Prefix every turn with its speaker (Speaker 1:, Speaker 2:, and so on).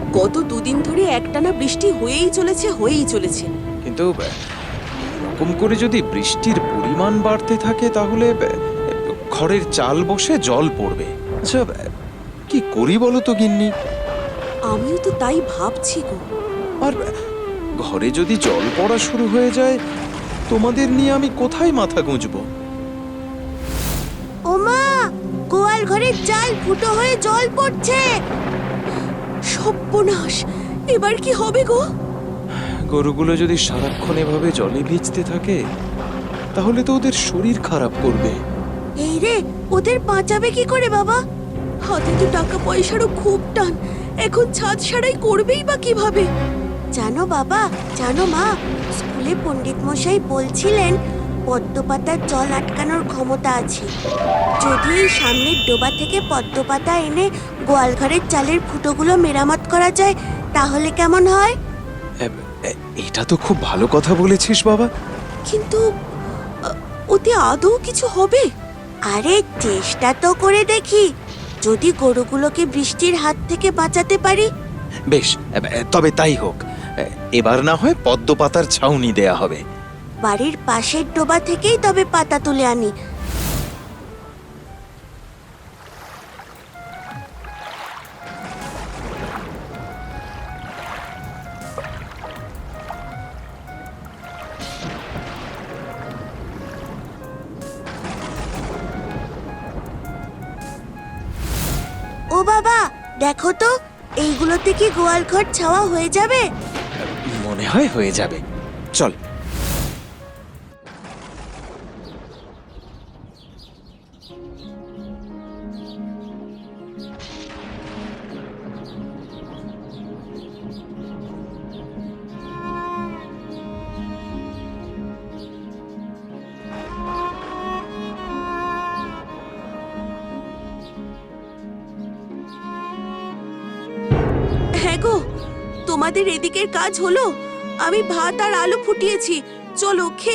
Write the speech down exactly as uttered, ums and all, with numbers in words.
Speaker 1: গত দুদিন ধরে একটানা বৃষ্টি হয়েই চলেছে হয়েই চলেছে
Speaker 2: কিন্তু এরকম করে যদি বৃষ্টির পরিমাণ বাড়তে থাকে তাহলে ঘরের চাল বসে জল পড়বে। আচ্ছা, কি করি বলো তো গিন্নি?
Speaker 1: আমিও তো তাই ভাবছি গো।
Speaker 2: আর ঘরে যদি জল পড়া শুরু হয়ে যায়, তোমাদের নিয়ে আমি কোথায় মাথা গুঁজবো?
Speaker 1: ওমা, গোয়াল ঘরের চাল ফুটো হয়ে জল পড়ছে। সর্বনাশ, এবার কি হবে গো?
Speaker 2: গরুগুলো যদি সারাক্ষণ এভাবে জলে ভিজতে থাকে তাহলে তো ওদের শরীর খারাপ করবে।
Speaker 1: এই রে, ওদের বাঁচাবে কি করে বাবা? হাতে তো টাকা পয়সারও খুব টান, এখন ছাদ সারাই করবেই বা কিভাবে? জানো বাবা, জানো মা, স্কুলে পণ্ডিত মশাই বলছিলেন পদ্ম পাতার জল আটকানোর ক্ষমতা আছে। যদি এই সামনের ডোবা থেকে পদ্ম পাতা এনে গোয়াল ঘরের চালের ফুটোগুলো মেরামত করা যায় তাহলে কেমন হয়?
Speaker 2: এ- এ- এটা তো খুব ভালো কথা বলেছিস বাবা।
Speaker 1: কিন্তু আ, ওতে আদৌ কিছু হবে? আরে চেষ্টা তো করে দেখি, যদি গরুগুলোকে বৃষ্টির হাত থেকে বাঁচাতে পারি।
Speaker 2: বেশ, এ- এ- তবে তাই হোক। এ- এবার না হয় পদ্ম পাতার ছাউনি দেয়া হবে।
Speaker 1: বাড়ির পাশের ডোবা থেকেই তবে পাতা তুলে আনি। ও বাবা, দেখো তো, এইগুলোতে কি গোয়াল ঘর ছাওয়া হয়ে যাবে?
Speaker 2: মনে হয় হয়ে যাবে। চল।
Speaker 1: হ্যাঁ গো, তোমাদের এদিকের কাজ হলো। আমি ভাত আর আলু ফুটিয়েছি, চলো খেয়ে